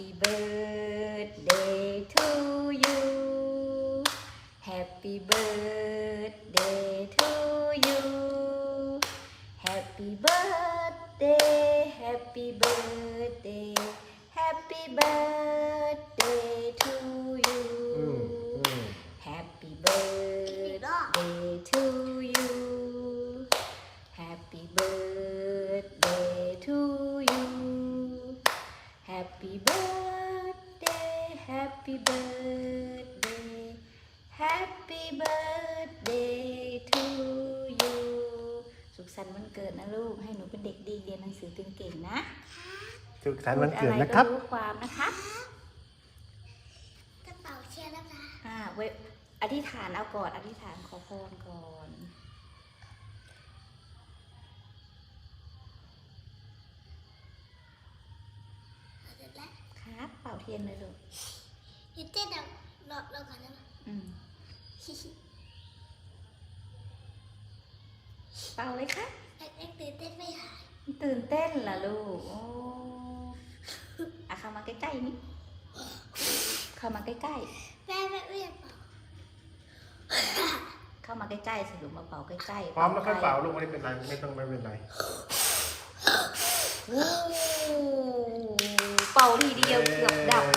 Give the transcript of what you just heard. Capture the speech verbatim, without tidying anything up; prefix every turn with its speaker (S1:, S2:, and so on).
S1: Happy birthday to you Happy birthday to you Happy birthday Happy birthday Happy birthday to you Happy birthday to you Happy birthday to you Happy birthday Happy birthday Happy birthday to you สุขสันต์วันเกิดนะลูกให้หนูเป็นเด็กดีเรียนหนังสือเก่งๆนะ
S2: สุขสันต์วันเกิดนะครับ
S1: รู้ความนะคะ
S3: กระเป๋าเชียร์นะคะ
S1: อ่าเวอธิษฐานเอาก่อนอธิษฐานขอพรก่อนครับเป่าเทียนเลยลูก
S3: ยูเต้นเราเราเราก่อนนะ
S1: อืมเป่าเลยค่ะ
S3: เอ็กตื่นเต้นไม่หาย
S1: ตื่นเต้นเหรอลูกโอ้อะเข้ามาใกล้ๆนี่เข้ามาใกล้
S3: ๆแม่แม่ไม่อยากเป่า
S1: เข้ามาใกล้ๆสิลูกมาเป่าใกล้ๆ
S2: พร้อมแล้วค่อยเป่าลูกไม่เป็นไรไม่ต้องไม่เป็นไร
S1: เป่าทีเดียวเกือบดับ